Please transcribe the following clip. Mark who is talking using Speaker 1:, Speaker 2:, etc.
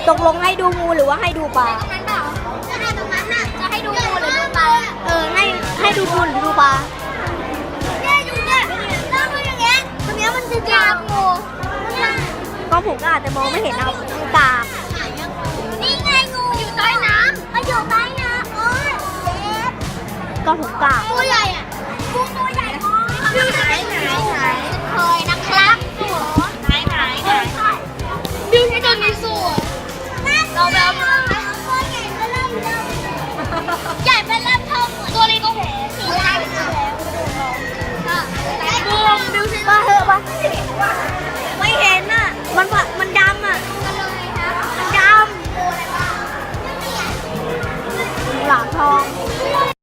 Speaker 1: ตกลงให้ดูงูหรือว่าให้ดูปลา
Speaker 2: ตรงนั้นเปล่าจะให้ตรงนั้นน่ะจะให้ดูงูหรือดูปลา
Speaker 1: ให้ดูงูหรือดูปลา
Speaker 2: เนี่ยอยู่เนี่ยเราดูอย่างเงี้ยตรงเนี้ยมันจะเจองูเนี่ย
Speaker 1: ก็ผมก็อาจจะมองไม่เห็นเอากาบ
Speaker 2: นี่ไงงูอยู่ใต้น้ำมันอยู่ใต้น้ำโอ้ยเจ็บ
Speaker 1: ก็ผมกาบ
Speaker 2: ตัวใหญ่อะงูตัวใหญ่มากอยู่ไหนเคยนั่ง